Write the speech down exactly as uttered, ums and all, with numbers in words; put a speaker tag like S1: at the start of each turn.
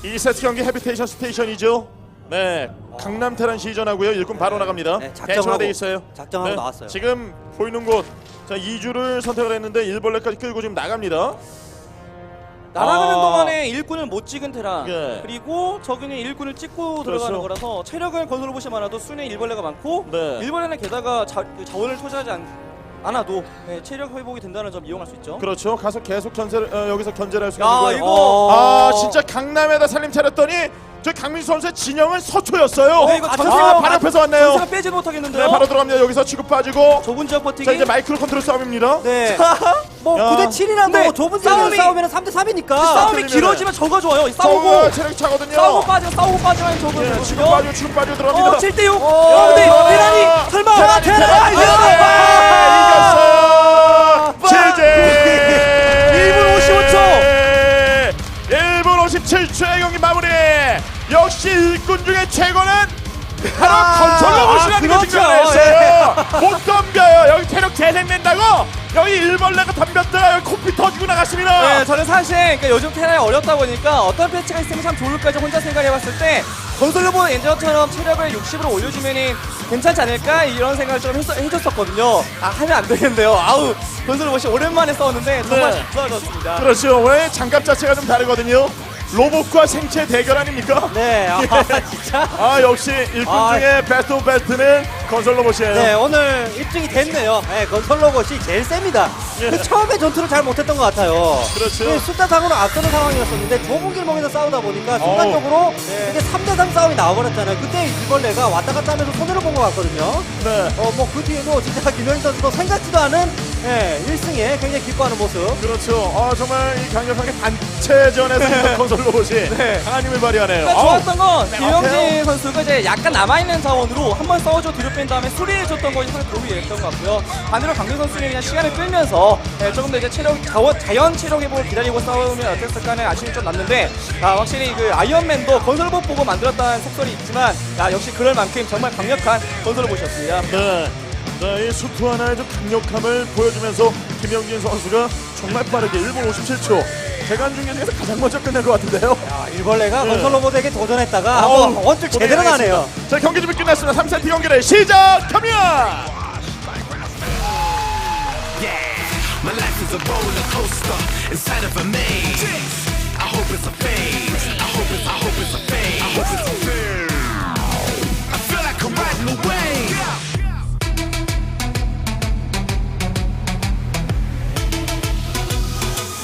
S1: 이 세트 경기 헤비테이션 스테이션이죠. 네, 강남 테란 시전하고요. 일꾼 바로 나갑니다.
S2: 네,
S1: 대처가 돼 있어요.
S2: 작정하고
S1: 네,
S2: 나왔어요.
S1: 지금 보이는 곳, 자 이 주를 선택을 했는데 일벌레까지 끌고 지금 나갑니다.
S3: 날아가는
S1: 아.
S3: 동안에 일꾼을 못 찍은 테란
S1: 예.
S3: 그리고 적은 일꾼을 찍고
S1: 그렇죠.
S3: 들어가는 거라서 체력을 건설해 보시 많아도 순에 일벌레가 많고
S1: 네.
S3: 일벌레는 게다가 자, 그 자원을 투자하지 않, 않아도 네, 체력 회복이 된다는 점 이용할 수 있죠.
S1: 그렇죠. 가서 계속 견제를 어, 여기서 견제를 할 수 있는
S3: 야
S1: 거예요.
S3: 이거
S1: 아 진짜 강남에다 살림 차렸더니 저 강민수 선수의 진영은 서초였어요.
S3: 네, 이거
S1: 아,
S3: 전세가
S1: 바로 앞에서 왔네요.
S3: 전세가 빼지 못하겠는데요.
S1: 네, 바로 들어갑니다. 여기서 치고 빠지고.
S3: 좁은 지역 버티기.
S1: 자 이제 마이크로 컨트롤 싸움입니다.
S2: 네. 뭐
S1: 야.
S2: 구 대 칠이나 뭐
S3: 근데
S2: 좁은
S3: 싸움이-
S2: 싸움이 싸우면 삼 대 삼이니까.
S3: 싸움이
S1: 틀리면은-
S3: 길어지면 저가 좋아요.
S1: 어,
S3: 싸우고
S1: 체력 차거든요.
S3: 싸우고 빠지고 싸우고 빠지면 저거
S1: 예, 치고
S3: 좋거든요.
S1: 빠지고 치고 빠지고 들어갑니다.
S3: 어 칠 대 육.
S2: 어,
S3: 어, 근데
S1: 야.
S3: 테란이 설마
S1: 테란이
S3: 테란
S1: 테란이 이겼어요. 제제
S3: 일 분 오십오 초.
S1: 일 분 오십칠 초의 경기 마무리. 역시 일꾼 중에 최고는 바로
S2: 아,
S1: 건설 로봇이라는 게
S2: 그렇죠.
S1: 증명했어요. 못 덤벼요. 여기 체력 재생된다고. 여기 일벌레가 덤볐다가 여기 코피 터지고 나갔습니다.
S3: 네, 저는 사실 그러니까 요즘 테란이 어렵다 보니까 어떤 패치가 있으면 참 좋을까 혼자 생각해봤을 때 건설로봇 엔저처럼 체력을 육십으로 올려주면은 괜찮지 않을까 이런 생각을 좀 했, 해줬었거든요. 아 하면 안 되겠는데요. 아우 건설로봇이 오랜만에 싸웠는데 정말
S1: 네.
S3: 좋아졌습니다.
S1: 그렇죠. 왜 장갑 자체가 좀 다르거든요. 로봇과 생체 대결 아닙니까?
S2: 네. 아,
S1: 예.
S2: 진짜.
S1: 아 역시 일꾼
S2: 아.
S1: 중에 베스트 오브 베스트는 건설 로봇이에요.
S2: 네, 오늘 입증이 됐네요. 네, 건설 로봇이 제일 셉니다.
S1: 예.
S2: 근데 처음에 전투를 잘 못했던 것 같아요.
S1: 그렇죠.
S2: 네, 숫자상으로 앞서는 상황이었었는데 좁은 길목에서 싸우다 보니까 순간적으로
S3: 네.
S2: 이게 삼 대 삼 싸움이 나와버렸잖아요. 그때 이벌레가 왔다 갔다 하면서 손해를 본 것 같거든요.
S1: 네.
S2: 어, 뭐 그 뒤에도 진짜 김영희 선수도 생각지도 않은 예, 일 승에 굉장히 기뻐하는 모습.
S1: 그렇죠. 아 정말 이 강력하게 단체전에서 이런 건설 로봇이
S3: 네.
S1: 강한 힘을 발휘하네요.
S3: 그러니까 좋았던 건
S1: 네,
S3: 김영진
S1: 앞에요.
S3: 선수가 이제 약간 남아있는 자원으로 한번 싸워줘 뒤로 뺀 다음에 수리를 줬던 것이 상당히 도움이 됐던 것 같고요. 반대로 강민 선수는 그냥 시간을 끌면서 예, 조금 더 이제 체력 자원, 자연 체력 회복을 기다리고 싸우면 어땠을까 하는 아쉬움이 좀 남는데 아, 확실히 그 아이언맨도 건설봇 보고 만들었다는 속설이 있지만 아, 역시 그럴 만큼 정말 강력한 건설봇이었습니다.
S1: 네. 자, 이 수트 하나의 좀 강력함을 보여주면서 김영진 선수가 정말 빠르게 일 분 오십칠 초 대간 중에서 가장 먼저 끝낸 것 같은데요.
S2: 야, 일벌레가
S1: 네.
S2: 건설 로봇에게 도전했다가
S1: 어우,
S2: 한번 원줄 제대로
S1: 고생하셨습니다.
S2: 나네요.
S1: 자 경기 준비 끝났습니다. 삼 세트 경기를 시작합니다.
S4: My life is a roller coaster inside of a maze. I hope it's a phase. I hope it's, I hope it's a phase. I hope it's a phase. I feel like I'm riding away.